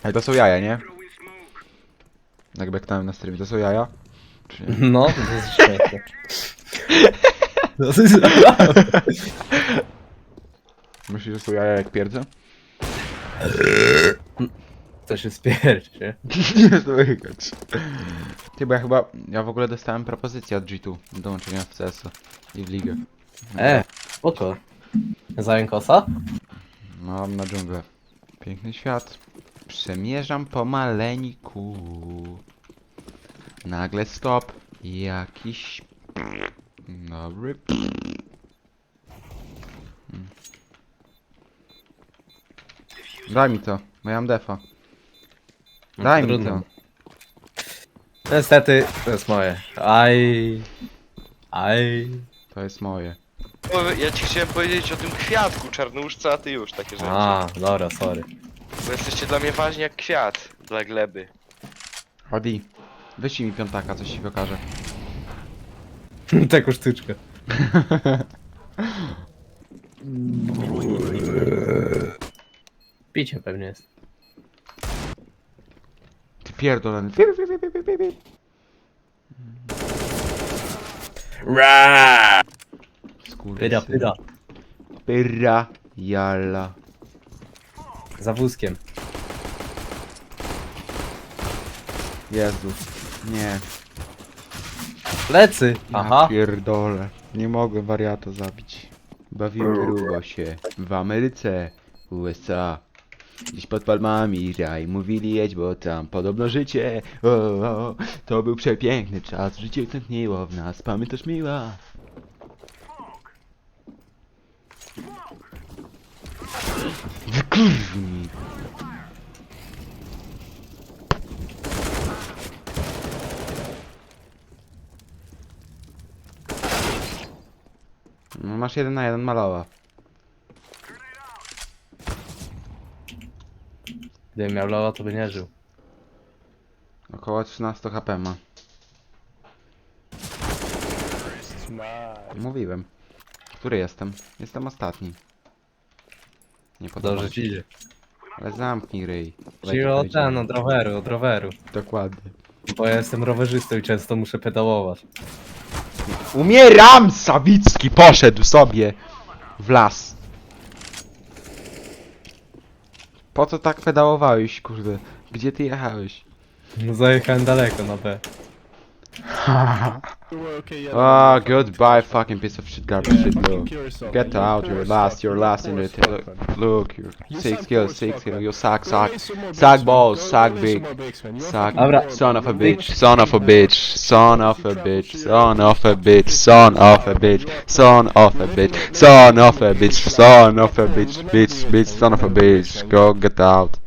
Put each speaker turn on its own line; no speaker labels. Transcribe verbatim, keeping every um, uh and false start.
Ej, to są jaja, nie? Jak beknąłem na streamie, to są jaja? Czy nie?
No, to jest śmieszne. To jest...
Myślisz, że są jaja jak pierdzę?
To się spiercie.
Nie słychać. Ty, bo ja chyba... Ja w ogóle dostałem propozycję od G dwa do dołączenia w C S i w ligę.
E, spoko. Zająkosa?
Mam na dżunglę. Piękny świat. Przemierzam pomaleńku. Nagle stop. Jakiś... Dobry... Hmm. Daj mi to, bo ja mam defa. Daj mi
Trudno.
to.
Niestety, to jest moje. Aj. Aj.
To jest moje.
Bo ja ci chciałem powiedzieć o tym kwiatku czarnuszce, a ty już takie rzeczy.
A, dobra, sorry.
Bo jesteście dla mnie ważni jak kwiat dla gleby.
Odi, wyślij mi piątaka, coś ci pokażę.
Taką sztuczkę. Picie pewnie jest.
Ty pierdolony. Pi, pi, pi, pi, pi, pi.
Ra!
Skurwysyn.
Pyra, pyra.
Pyra, jalla.
Za wózkiem.
Jezus. Nie.
Plecy!
Ja
Aha.
pierdolę. Nie mogę wariata zabić. Bawiłem grubo się. W Ameryce, U S A. Gdzieś pod palmami raj. Mówili jedź, bo tam podobno życie. O, o, to był przepiękny czas. Życie tętniło w nas. Pamiętasz miła. Wykurwni. No, masz jeden na jeden malowa.
Gdybym miał loa, to by nie żył.
Około trzynaście HP ma. Mówiłem. Który jestem? Jestem ostatni. Nie podoba
Dobrze
mi
ci
się.
idzie.
Ale zamknij ryj.
Czyli
Leci
o
powiedziałem.
ten, od roweru, od roweru.
Dokładnie.
Bo ja jestem rowerzystą i często muszę pedałować.
Umieram! Sawicki poszedł sobie w las. Po co tak pedałowałeś, kurde? Gdzie ty jechałeś?
No zajechałem daleko na B.
Oh, goodbye, fucking piece of shit, garbage shit, look. Get out, you're last, you're last in the t- look, look, you're six kills, six kills, you suck, suck, suck balls, suck big, suck,
Dobra.
son of a bitch, son of a bitch, son of a bitch, son of a bitch, son of a bitch, son of a bitch, son of a bitch, son of a bitch, bitch, bitch, son of a bitch, go get out.